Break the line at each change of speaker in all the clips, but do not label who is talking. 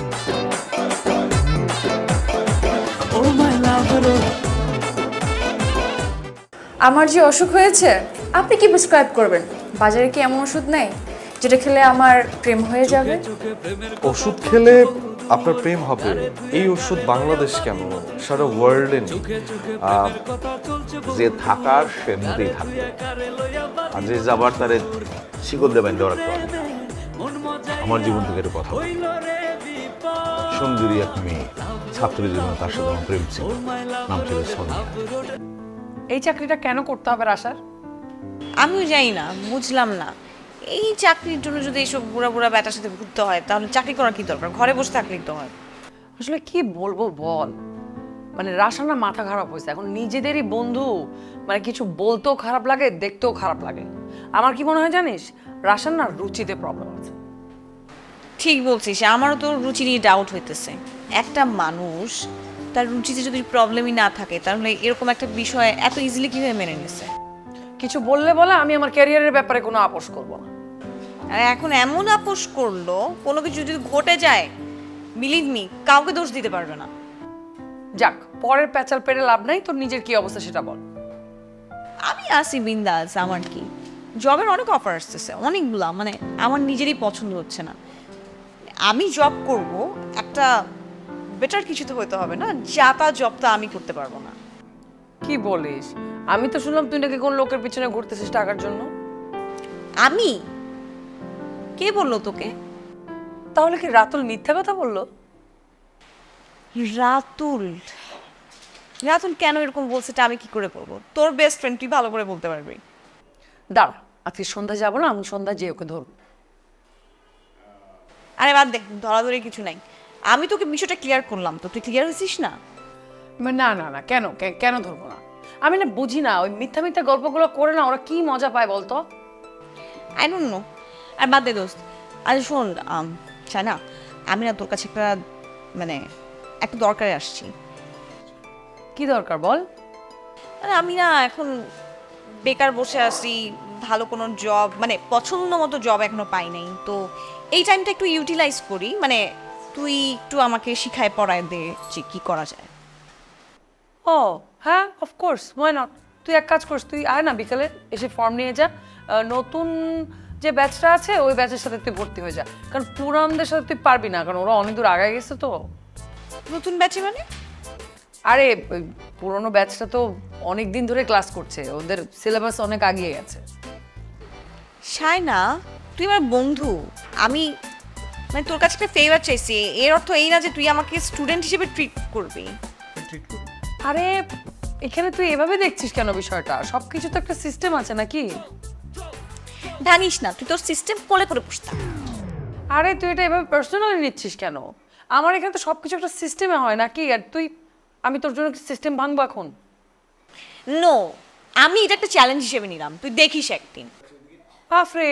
আমার যে অসুখ হয়েছে আপনি কি প্রেসক্রাইব করবেন? বাজারে কি এমন ওষুধ নেই যেটা খেলে আমার প্রেম হয়ে যাবে?
ওষুধ খেলে আপনার প্রেম হবে এই ওষুধ বাংলাদেশ কেন সারা ওয়ার্ল্ডে নেই।
যে থাকার সে মতেই থাকবে, আর যে যাবার তারে শিকল দেবেন দেওয়ার একটা আমার জীবন থেকে একটা কথা বলি। সুন্দরী এক মেয়ে ছাত্রী জীবনে, তার সাথে আমার প্রেম ছিল, নাম ছিল সোনিয়া।
এই চাকরিটা কেন করতে হবে আশার?
আমিও জানি না, বুঝলাম না। এই চাকরির জন্য যদি এইসব বুড়া বুড়া ব্যাটার সাথে ঘুরতে হয় তাহলে চাকরি করার কি দরকার? ঘরে বসে থাকলেই তো হয়।
আসলে কি বলবো বল, মানে রাশানা মাথা খারাপ হয়েছে এখন, নিজেদেরই বন্ধু মানে কিছু বলতেও খারাপ লাগে, দেখতেও খারাপ লাগে। আমার কি মনে হয় জানিস, রাশানার রুচিতে প্রবলেম আছে।
ঠিক বলছিস, আমারও তো রুচি নিয়ে ডাউট হইতেছে। একটা মানুষ তার রুচিতে যদি প্রবলেমই না থাকে তাহলে এরকম একটা বিষয় এত ইজিলি কিভাবে মেনে নিছে?
কিছু বললে বলে আমি আমার ক্যারিয়ারের ব্যাপারে কোনো আপোষ করব না।
আর এখন এমন আপোষ করলো, কোনো কিছু যদি ঘটে যায় বিলিভ মি কাউকে দোষ দিতে পারবে না।
যাক, পরের প্যাচাল পেরে লাভ নাই, তোর নিজের কি অবস্থা সেটা বল।
আমি আসি বিন্দাস, আমার কি জবের অনেক অফার আসতেছে, অনেকগুলা, মানে আমার নিজেরই পছন্দ হচ্ছে না। আমি জব করব, একটা বেটার কিছু তো হইতে হবে না, যা তা জব তো আমি করতে পারবো না।
কি বলিস? আমি তো শুনলাম তুই নাকি কোন লোকের পিছনে ঘুরতেছিস টাকার জন্য।
আমি? কে বললো তোকে?
তাহলে কি রাতুল মিথ্যা কথা বললো?
রাতুল? রাতুল কেন এরকম বলছে এটা আমি কি করে বলবো? তোর বেস্ট ফ্রেন্ড, তুই ভালো করে বলতে পারবি।
দাঁড়া, আজকে সন্ধ্যা যাবো না, আমি সন্ধ্যা যেয়ে ওকে ধরবো।
আরে বাদ দেখ, ধরাধরি কিছু নাই। আমি তোকে বিষয়টা ক্লিয়ার করলাম, তো তুই ক্লিয়ার হয়েছিস না?
না না না, কেন কেন ধরবো না? আমি না বুঝি না, ওই মিথ্যা মিথ্যা গল্পগুলো করে না ওরা কি মজা পায় বলতো?
I don't know. আর বাদ দে দোস্ত। আরে শোন না, আমি না তোর কাছে একটা দরকারে আসছি।
কি দরকার বল?
আরে আমি না এখন বেকার বসে আছি, ভালো কোনো জব মানে পছন্দ মতো জব এখনো পাই নাই। তো এই টাইমটা একটু ইউটিলাইজ করি, মানে তুই একটু আমাকে শিখায় পড়ায় দে যে কি করা যায়।
ও হ্যাঁ, অফকোর্স, ওয়াই নট। তুই এক কাজ করিস, তুই আয় না বিকালে, এসে ফর্ম নিয়ে যা। নতুন যে ব্যাচটা আছে ওই ব্যাচের সাথে তুই ভর্তি হয়ে যা, কারণ পুরানদের সাথে তুই পারবি না, কারণ ওরা অনেক দূর আগায় গেছে তো।
নতুন ব্যাচে মানে?
আরে ওই পুরোনো ব্যাচটা তো অনেক দিন ধরে ক্লাস করছে, ওদের সিলেবাস অনেক আগিয়ে গেছে।
শায়না, তুই আমার বন্ধু, আমি মানে তোর কাছে একটা ফেভার চাইছি, এর অর্থ এই না যে তুই আমাকে স্টুডেন্ট হিসেবে ট্রিট করবি।
আরে এখানে তুই এভাবে দেখছিস কেন বিষয়টা? সবকিছু তো একটা সিস্টেম আছে নাকি?
ভাঙিস না, তুই তোর সিস্টেম কোলে করে বসতা।
আরে তুই এটা এভাবে পার্সোনালি নিচ্ছিস কেন? আমার এখানে তো সবকিছু একটা সিস্টেমে হয় নাকি? আর আমি তোর জন্য সিস্টেম ভাঙবো এখন?
নো, আমি এটা একটা চ্যালেঞ্জ হিসেবে নিলাম, তুই দেখিস একদিন।
আফরে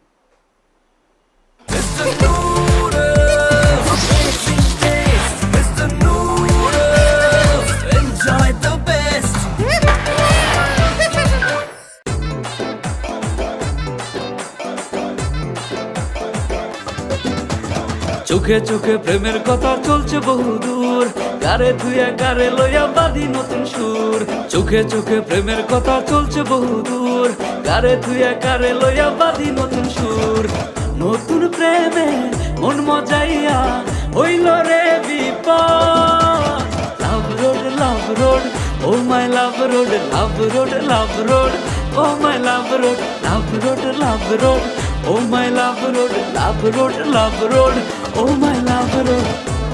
চোখে চোখে প্রেমের কথা চলছে বহুদূর, গারে ধুয়া গারে লইয়া বাঁধি নতুন সুর। চোখে চোখে প্রেমের কথা চলছে বহুদূর, গারে ধুয়া গারে লইয়া বাঁধি নতুন সুর। নতুন প্রেমে মন মজাইয়া হইল রে বিপদ। Love road oh my love road, love road oh my love road, love road oh my love road, love road oh my love road.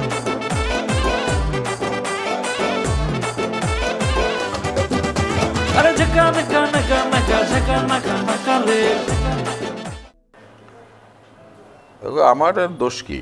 আরে ঝকা নকা নকা নকা ঝকা নকা নকা রে।
আমার আর দোষ কি?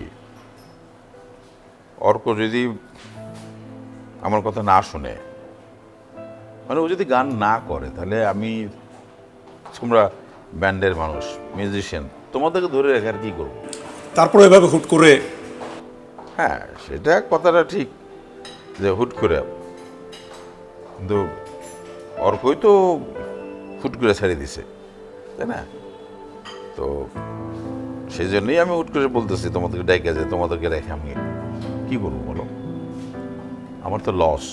অর্ক যদি আমার কথা না শুনে, মানে ও যদি গান না করে, তাহলে তোমরা ব্যান্ডের মানুষ, মিউজিশিয়ান, তোমাদেরকে ধরে রেখে আর কি করবো?
তারপরে এভাবে হুট করে?
হ্যাঁ, সেটা কথাটা ঠিক যে হুট করে, কিন্তু অর্কই তো হুট করে ছেড়ে দিছে, তাই না? তো সেই জন্যই আমি হুট করে বলতেছি তোমাদেরকে ডাইকা, যে তোমাদেরকে রেখে আমি কি করবো বলো, আমার তো লস।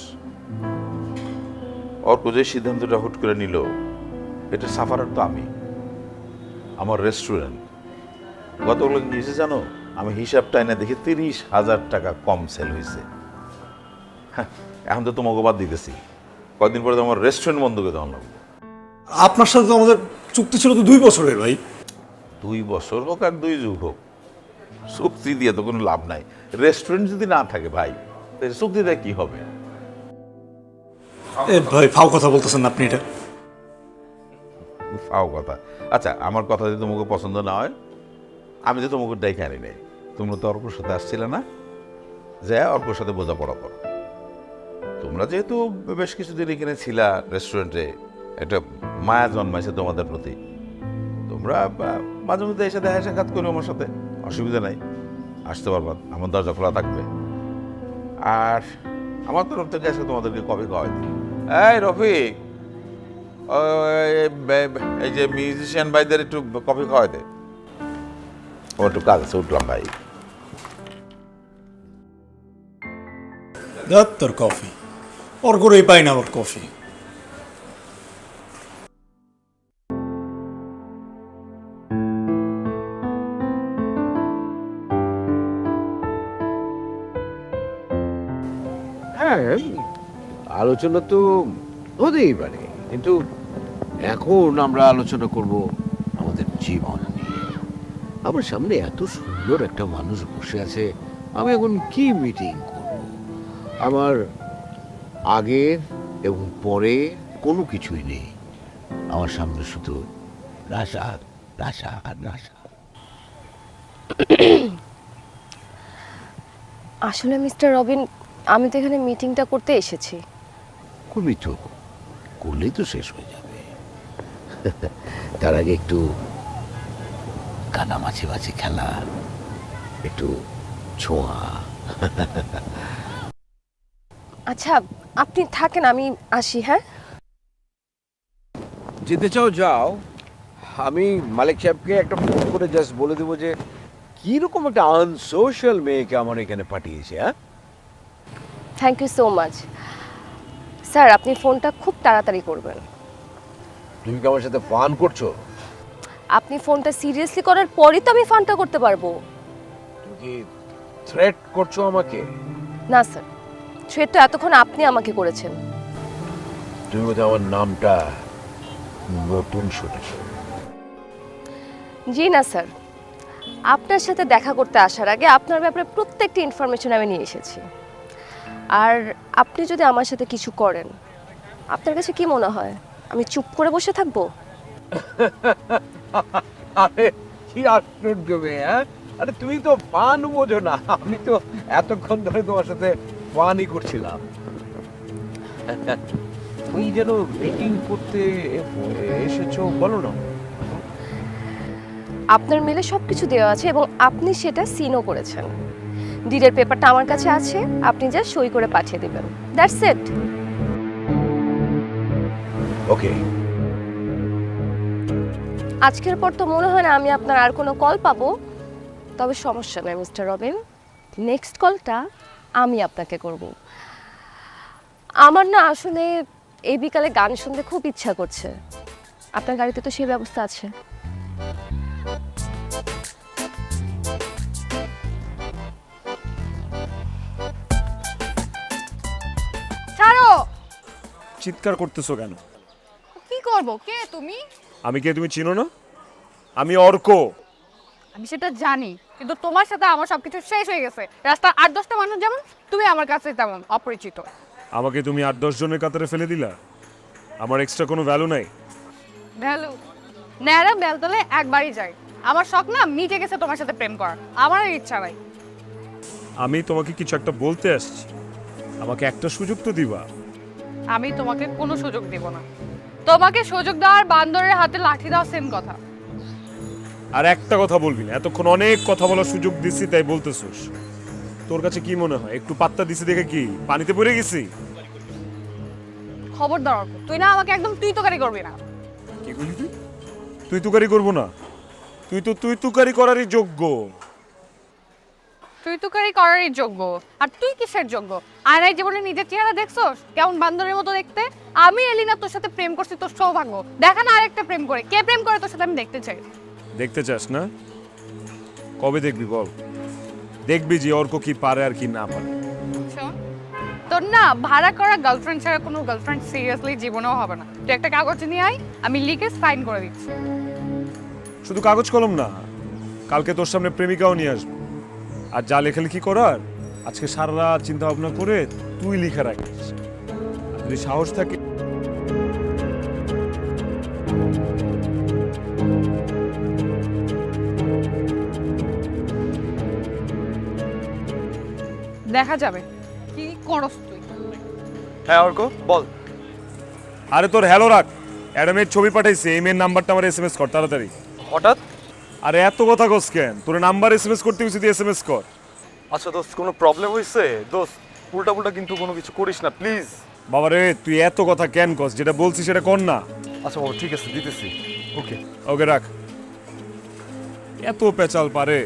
অর্ক যে সিদ্ধান্তটা হুট করে নিল, এটা সাফারার তো আমি। আমার রেস্টুরেন্ট গতকাল গিয়েছে জানো, আমি হিসাবটা এনে দেখি 30,000 টাকা কম সেল হয়েছে। এখন তো তোমাকে বাদ দিতেছি, কয়েকদিন পরে তো আমার রেস্টুরেন্ট বন্ধ করে দেওয়া লাগবে।
আপনার সাথে তো আমাদের চুক্তি ছিল তো 2 বছরের ভাই।
2 বছর হোক আর 2 যুগ হোক, চুক্তি দিয়ে তো কোনো লাভ নাই। রেস্টুরেন্ট যদি না থাকে ভাই, তাহলে চুক্তি দিয়ে কি হবে?
এ ভাই ফাও কথা বলতেছেন না আপনি এটা।
ফাও কথা। আচ্ছা, আমার কথা যদি তোমাকে পছন্দ না হয়, আমি তো তোমাকে ডেকে আনি নাই। তোমরা তো অর্কর সাথে আসছিলে না, যে অর্কর সাথে বোঝাপড়া করো। তোমরা যেহেতু বেশ কিছুদিন এখানে ছিলা রেস্টুরেন্টে, একটা মায়া জন্মাইছে তোমাদের প্রতি। তোমরা মাঝে মধ্যে এসে দেখা সাক্ষাৎ করো আমার সাথে, অসুবিধা নাই, আসতে পারবা, আমার দরজা খোলা থাকবে। আর আমার তরফ থেকে আজকে তোমাদেরকে কফি খাওয়াই দিই। এই রফিক, এই যে মিউজিশিয়ান ভাইদের একটু কফি খাওয়াই দে, আমার একটু কাজ আছে, উঠলাম ভাই।
দেখ তোর কফি, ওর করেই পাই না ওর কফি।
হ্যাঁ, আলোচনা তো হতেই পারে, কিন্তু এখন আমরা আলোচনা করব আমাদের জীবন নিয়ে। আমার সামনে এত সুন্দর একটা মানুষ বসে আছে, আমি এখন কি মিটিং করব? আমার আগের এবং পরে কোনো কিছুই নেই, আমার সামনে শুধু রাশা রাশা আর রাশা।
আসলে মিস্টার রবিন, আমি তো এখানে মিটিংটা করতে এসেছি।
করবি তো, করলেই তো শেষ হয়ে যাবে। তার আগে একটু কানামাছি বাছি খেলা, একটু ছোঁয়া।
আচ্ছা, আপনি থাকেন, আমি আসি। হ্যাঁ,
যেতে চাও যাও, আমি মালিক সাহেবকে একটা ফোন করে জাস্ট বলে দেবো যে কিরকম একটা আনসোশাল মেয়েকে আমার এখানে পাঠিয়েছে। হ্যাঁ,
thank you so much sir. আপনি ফোনটা খুব তাড়াতাড়ি করবেন।
তুমি কি আমার সাথে ফান করছো?
আপনি ফোনটা সিরিয়াসলি করার পরই তো আমি ফানটা করতে পারবো।
তুমি কি থ্রেট করছো আমাকে?
না স্যার, থ্রেট তো এতক্ষণ আপনি আমাকে করেছেন।
তুমি বোধহয় আমার নামটা নতুন শুনেছো।
জি না স্যার, আপনার সাথে দেখা করতে আসার আগে আপনার ব্যাপারে প্রত্যেকটি ইনফরমেশন আমি নিয়ে এসেছি। আর আপনি যদি আমার সাথে কিছু করেন, আপনার কাছে কি মনে হয় আমি চুপ করে বসে থাকবো?
আরে কি আশ্চর্য মেয়ে! হ্যাঁ, আরে তুমি তো ফান বোঝো না, আমি তো এতক্ষণ ধরে তোমার সাথে ফানই করছিলাম। তুমি যেন মিটিং করতে এসেছো, বলো না।
আপনার মেলে সবকিছু দেওয়া আছে এবং আপনি সেটা সিনও করেছেন। ডিডের পেপারটা আমার কাছে আছে, আপনি যা সই করে পাঠিয়ে দিবেন। That's it.
ওকে।
আজকের পর তো মনে হয় না আমি আপনার আর কোনো কল পাবো। তবে সমস্যা নয় মিস্টার রবিন, নেক্সট কলটা আমি আপনাকে করব। আমার না আসলে এই বিকালে গান শুনতে খুব ইচ্ছা করছে। আপনার গাড়িতে তো সেই ব্যবস্থা আছে।
ছাড়ো।
চিৎকার করতেছো কেন?
কি করব? কে তুমি?
আমি কে তুমি চিনো না? আমি অর্ক।
আমি সেটা জানি, কিন্তু তোমার সাথে আমার সবকিছু শেষ হয়ে গেছে। রাস্তার 8-10টা মানুষ যেমন, তুমি আমার কাছে তেমন অপরিচিত।
আমাকে তুমি 8-10 জনের কাতারে ফেলে দিলা। আমার এক্সট্রা কোনো ভ্যালু নাই।
ভ্যালু ন্যাড়া বেলতলে একবারই যাই। আমার শখ না মিটে গেছে তোমার সাথে প্রেম করার, আমার আর ইচ্ছা নাই।
আমি তোমাকে কিছু একটা বলতে আসছি, আমাকে একটা সুযোগ তো দিবা।
আমি তোমাকে কোনো সুযোগ দেব না। তোমাকে সুযোগ দেওয়ার বান্দরের হাতে লাঠি দাও, সেম কথা।
আর একটা কথা বলবি না, এতক্ষণ অনেক কথা বলার সুযোগ দিছি তাই বলতেছোস। তোর কাছে কি মনে হয় একটু পাত্তা দিছি দেখে কি পানিতে পড়ে গেছি?
খবরদার অর্ক, তুই না আমাকে একদম তুই তোকারি করবি না।
কি করলি তুই? তুই তুকারি করবো না? তুই তো তুই তুকারি করারই যোগ্য।
তুই তো কারি করারই যোগ্য, আর তুই কিসের যোগ্য? আয়নায় জীবনে নিজের চেহারা দেখছস কেমন বান্দরের মতো দেখতে? আমি এলিনা তোর সাথে প্রেম করছি তোর সৌভাগ্য, দেখা না আরেকটা প্রেম করে। কে প্রেম করে তোর সাথে আমি দেখতে চাই।
দেখতে চাস না? কবে দেখবি বল? দেখবি যে অর্ক কি পারে আর কি না পারে।
শোন, তোর না ভাড়া করা গার্লফ্রেন্ড ছাড়া কোনো গার্লফ্রেন্ড সিরিয়াসলি জীবনেও হবে না। তুই একটা কাগজ নিয়ে আয়, আমি লিখে সাইন করে দিচ্ছি।
শুধু কাগজ কলম না, কালকে তোর সামনে প্রেমিকাও নিয়ে আসবো। আর যা লেখালেখি করার আজকে সারা রাত চিন্তা ভাবনা করে তুই লিখে রাখিস। আর যদি সাহস থাকে
দেখা যাবে কি করস তুই।
হ্যাঁ অর্ক বল।
আরে তোর হ্যালো রাখ, অ্যাডামের ছবি পাঠাইছে, এই মেয়ের নাম্বারটা আমার এসএমএস কর তাড়াতাড়ি।
হঠাৎ?
আরে এত কথা কস কেন? তোর নাম্বার এসএমএস করতে গেছি, তুই এসএমএস কর।
আচ্ছা দোস্ত, কোনো প্রবলেম হয়েছে? দোস্ত উল্টা পুল্টা কিন্তু কোনো কিছু করিস না প্লিজ।
বাবা রে, তুই এত কথা কেন কস? যেটা বলছিস সেটা কর না।
আচ্ছা বাবা ঠিক আছে, দিতেছি। ওকে
ওকে রাখ। এত পেঁচাল পারে।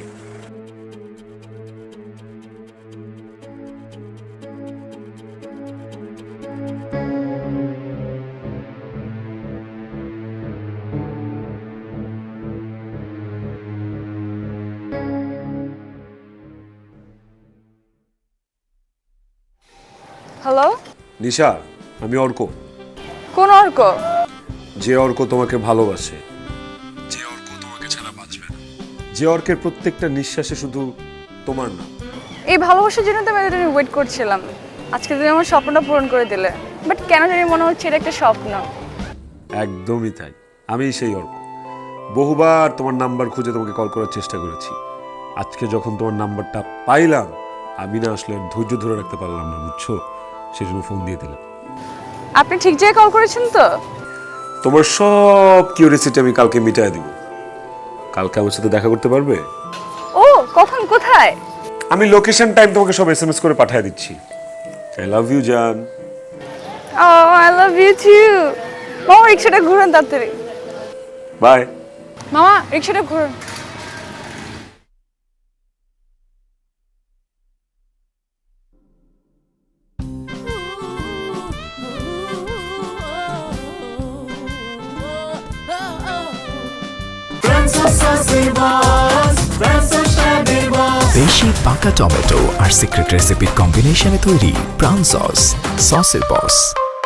হ্যালো,
নিশা, আমি অর্ক।
কোন অর্ক?
যে অর্ক তোমাকে ভালোবাসে, যে অর্ক তোমাকে ছাড়া বাঁচবে না, যে অর্কের প্রত্যেকটা নিঃশ্বাসে শুধু তোমার নাম।
এই ভালোবাসার জন্য তো আমি এতদিন ওয়েট করছিলাম। আজকে তুমি আমার স্বপ্নটা পূরণ করে দিলে, বাট কেন জানি মনে হচ্ছে এটা একটা স্বপ্ন।
একদমই তাই, আমি সেই অর্ক। বহুবার তোমার নাম্বার খুঁজে তোমাকে কল করার চেষ্টা করেছি। আজকে যখন তোমার নাম্বারটা পাইলাম, আমি না আসলে ধৈর্য ধরে রাখতে পারলাম না, বুঝছো? সেজন্য ফোন দিয়ে দিলাম।
আপনি ঠিক জায়গায় কল করেছেন তো?
তোমার সব কিউরিয়াসিটি আমি কালকে মিটাই দিব। কালকে আমার সাথে দেখা করতে পারবে?
ও, কখন, কোথায়?
আমি লোকেশন টাইম তোমাকে সব এসএমএস করে পাঠিয়ে দিচ্ছি। আই লাভ ইউ জান।
Oh, I love you too. মামা রিক্সাটা ঘুরান তাড়াতাড়ি।
বাই।
মামা রিক্সাটা ঘুরান।
বেশি পাকা টমেটো আর সিক্রেট রেসিপির কম্বিনেশনে তৈরি প্রাউন সস, সসের বস।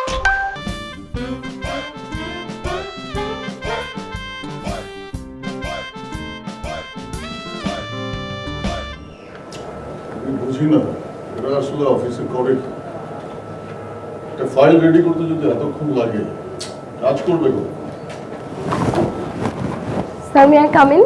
বুঝি না এটা আসলে অফিসে করে কি? একটা ফাইল রেডি করতে যদি এতক্ষণ লাগে, কাজ করবে কোন?
Sir may I come in?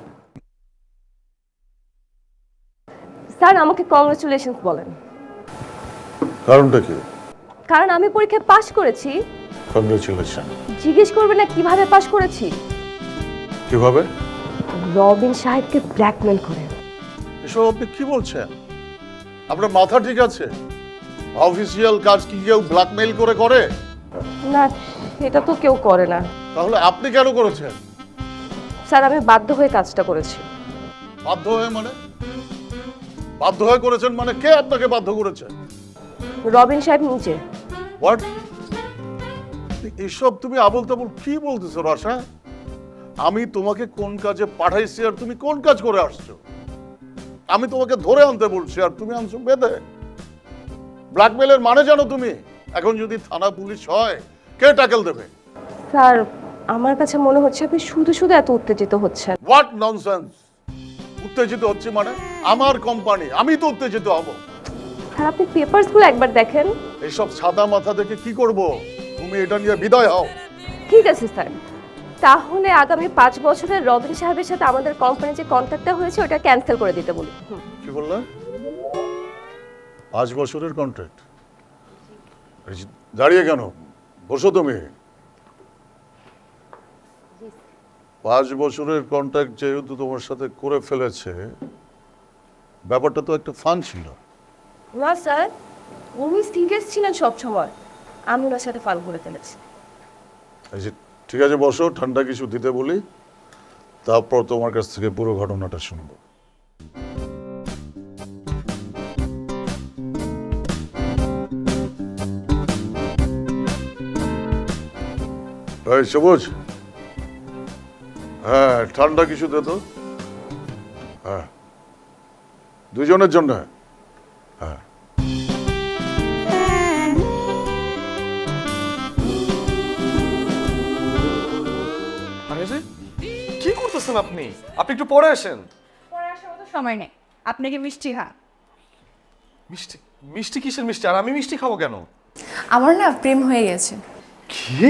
Sir আমাকে কংগ্রেচুলেশনস বলেন।
কারণটা কি?
কারণ আমি পরীক্ষায় পাশ করেছি।
কংগ্রেচুলেশন।
জিজ্ঞেস করবে না কিভাবে পাশ করেছি?
কিভাবে?
রবিন সাহেবকে ব্ল্যাকমেল করে।
এসব আপনি কি বলছেন? আপনার মাথা ঠিক আছে? অফিসিয়াল কাজ কি কেউ ব্ল্যাকমেইল করে করে?
না, এটা তো কেউ করে না।
তাহলে আপনি কেন করেছেন?
স্যার আমি বাধ্য হয়ে কাজটা করেছি।
বাধ্য হয়ে মানে? বাধ্য হয়ে করেছেন মানে কে আপনাকে বাধ্য করেছে?
রবিন সাহেব নিজে।
হোয়াট? এসব তুমি আবল তাবল কি বলতেছো রসা? আমি তোমাকে কোন কাজে পাঠাইছি আর তুমি কোন কাজ করে আসছো? আমি তোমাকে ধরে আনতে বলছি আর তুমি আনছো বেঁধে। ব্ল্যাকমেলের মানে জানো তুমি? এখন যদি থানা পুলিশ হয়, কে ট্যাকেল দেবে?
স্যার আমার কাছে মনে হচ্ছে আপনি শুধু শুধু এত উত্তেজিত হচ্ছেন।
What nonsense! উত্তেজিত হচ্ছে মানে? আমার কোম্পানি, আমি তো উত্তেজিত হব।
স্যার আপনি পেপারসগুলো একবার দেখেন।
এইসব সাদা মাথা দেখে কি করব? তুমি এটা নিয়ে বিদায় হও।
ঠিক আছে স্যার, তাহলে আগামী 5 বছরের রবিন সাহেবের সাথে আমাদের কোম্পানির যে কন্ট্রাক্টটা হয়েছে ওটা ক্যান্সেল করে দিতে বলি।
কি বললে? 5 বছরের কন্ট্রাক্ট? দাঁড়িয়ে কেন? বসো তুমি। 5 বছরের কন্ট্রাক্ট যেহেতু তোমার সাথে করে ফেলেছে, ব্যাপারটা তো একটা ফান ছিল।
না স্যার, উনি সিরিয়াস ছিলেন সবসময়। আমি ওনার সাথে ফান করে ফেলেছি।
ঠিক আছে বসো, ঠান্ডা কিছু দিতে বলি, তারপর তোমার কাছ থেকে পুরো ঘটনাটা শুনবো। এই সবুজ, হ্যাঁ ঠান্ডা কিছু দে তো। হ্যাঁ, দুজনের জন্য। হ্যাঁ,
আরে রে, কি করতেছেন আপনি? আপনি একটু পরে আসেন।
পরে আসার মতো সময় নেই, আপনাকে মিষ্টি
মিষ্টি? মিষ্টি কিসের মিষ্টি? আর আমি মিষ্টি খাবো কেন?
আমার না প্রেম হয়ে গেছে।
কি?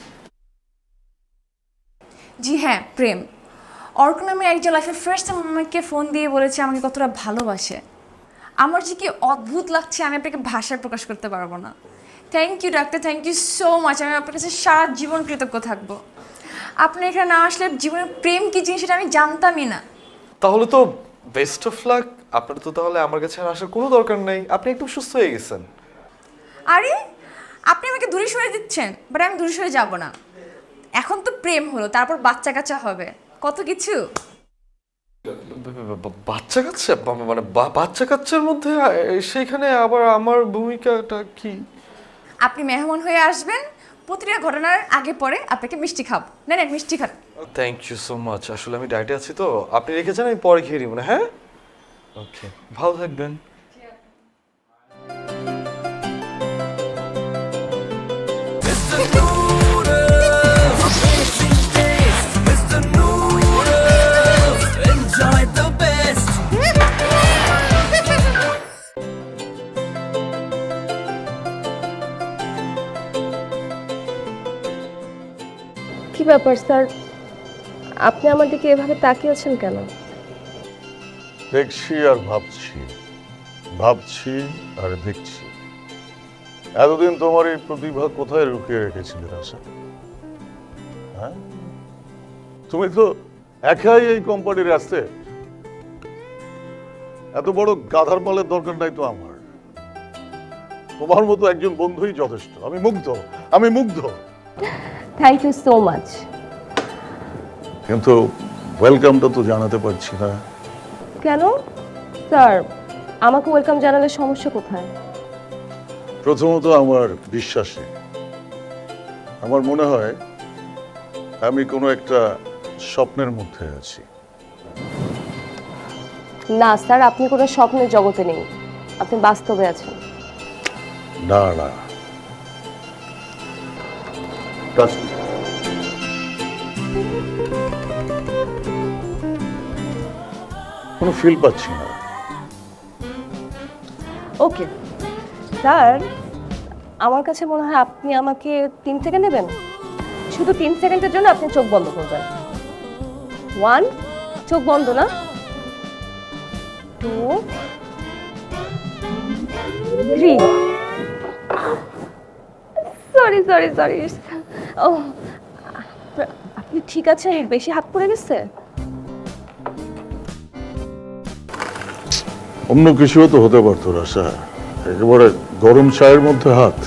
জি হ্যাঁ, প্রেম। অর্ক নামে একজন লাইফের ফার্স্ট টাইম আমাকে ফোন দিয়ে বলেছে আমাকে কতটা ভালোবাসে। আমার যে কি অদ্ভুত লাগছে, আমি আপনাকে ভাষায় প্রকাশ করতে পারবো না। Thank you doctor, thank you so much. আমি আপনার কাছে সারা জীবন কৃতজ্ঞ থাকবো। আপনি এখানে না আসলে জীবনের প্রেম কি জিনিস সেটা আমি জানতামই না।
তাহলে তো বেস্ট অফ লাক। আপনার তো তাহলে আমার কাছে আর আসার কোনো দরকার নেই, আপনি একদম সুস্থ হয়ে গেছেন।
আরে আপনি আমাকে দূরে সরে দিচ্ছেন, বাট আমি দূরে সরে যাব না। এখন তো প্রেম হলো, তারপর বাচ্চা কাচ্চা হবে, কত কিছু।
বাচ্চা কাচ্চা? মানে বাচ্চা কাচ্চার মধ্যে সেইখানে আবার আমার ভূমিকাটা কি?
আপনি মেহমান হয়ে আসবেন, প্রতিটা ঘটনার আগে পরে আপনাকে মিষ্টি খাবো। নেন মিষ্টি খান।
Thank you so much. আসলে আমি ডায়েটে আছি তো, আপনি রেখে যান, আমি পরে খেয়ে নিব না। হ্যাঁ, ওকে, ভালো থাকবেন।
কি ব্যাপার স্যার, আপনি আমার দিকে এভাবে তাকিয়েছেন কেন?
দেখছি আর ভাবছি, ভাবছি আর দেখছি। এতদিন তোমার এই প্রতিভা কোথায় লুকিয়ে রেখেছিলে আশা? হ্যাঁ, তুমি তো একাই এই কোম্পানির আসতে। এত বড় গাধার পালের দরকার নাই তো আমার। তোমার মতো একজন বন্ধুই যথেষ্ট। আমি মুগ্ধ, আমি মুগ্ধ।
Thank you so much.
কিন্তু ওয়েলকামটা তো জানাতে পারছি না।
কেন স্যার, আমাকে ওয়েলকাম জানালে সমস্যা কোথায়?
প্রথমত আমার বিশ্বাসে আমার মনে হয় আমি কোনো একটা স্বপ্নের মধ্যে আছি।
না স্যার, আপনি কোনো স্বপ্নের জগতে নেই, আপনি বাস্তবে আছেন।
না না, কোনো ফিল পাচ্ছি না।
ওকে স্যার, আমার কাছে মনে হয় আপনি আমাকে 3 সেকেন্ড নেবেন। শুধু 3 সেকেন্ডের জন্য আপনি চোখ বন্ধ করবেন। 1, চোখ বন্ধ না। 2, 3। Sorry sorry sorry. ও, আপনি ঠিক আছেন? বেশি হাত পড়ে গেছে?
অন্য কিছুও তো হতে পারতো রাশা, একেবারে গরম চায়ের মধ্যে হাত।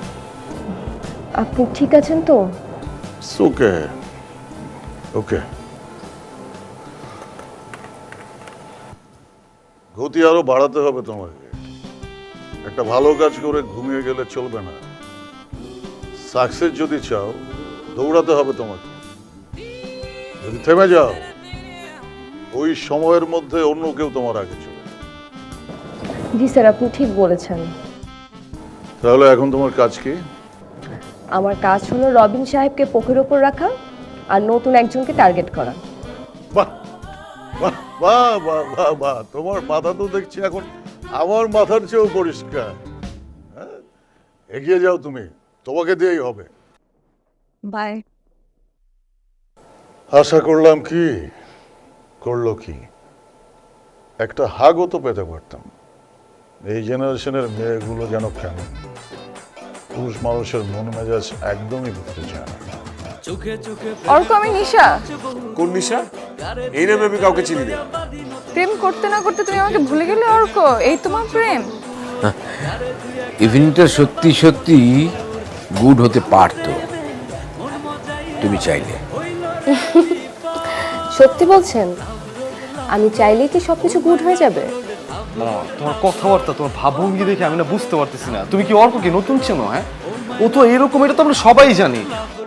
আপনি ঠিক আছেন তো?
ওকে ওকে। গতি আরো বাড়াতে হবে তোমাকে। একটা ভালো কাজ করে ঘুমিয়ে গেলে চলবে না। সাকসেস যদি চাও দৌড়াতে হবে তোমাকে। যদি থেমে যাও ওই সময়ের মধ্যে অন্য কেউ তোমার আগে চলে।
জি স্যার, আপনি ঠিক বলেছেন।
তাহলে এখন তোমার কাজ কি?
আমার কাজ হলো রবিন সাহেবকে পোকের ওপর রাখা আর নতুন একজনকে টার্গেট করা।
বাহ বাহ বাহ বাহ বাহ বাহ, তোমার মাথা তো দেখছি এখন আমার মাথার চেয়েও পরিষ্কার। হ্যাঁ, এগিয়ে যাও তুমি, তোমাকে দিয়েই হবে।
বাই।
আশা করলাম কি, করলো কি, একটা হাগও তো পেতে পারতাম। এই জেনারেশনের মেয়েগুলো যেন কেন পুরুষ মানুষের মন মেজাজ একদমই বুঝতে চায় না।
অর্ক, আমি নিশা।
কোন নিশা? এই নামে আমি কাউকে চিনি না।
প্রেম করতে না করতে তুমি আমাকে ভুলে গেলে অর্ক? এই তোমার প্রেম?
ইভিনিংটা সত্যি সত্যি গুড হতে পারতো তুমি চাইলে।
সত্যি বলছেন? আমি চাইলেই কি সবকিছু গুড হয়ে যাবে?
না, তোমার কথাবার্তা, তোমার ভাবভঙ্গি দেখে আমি না বুঝতে পারতেছি না তুমি কি অর্ককে নতুন চেনো? হ্যাঁ, ও তো এরকম, এটা তো আমরা সবাই জানি।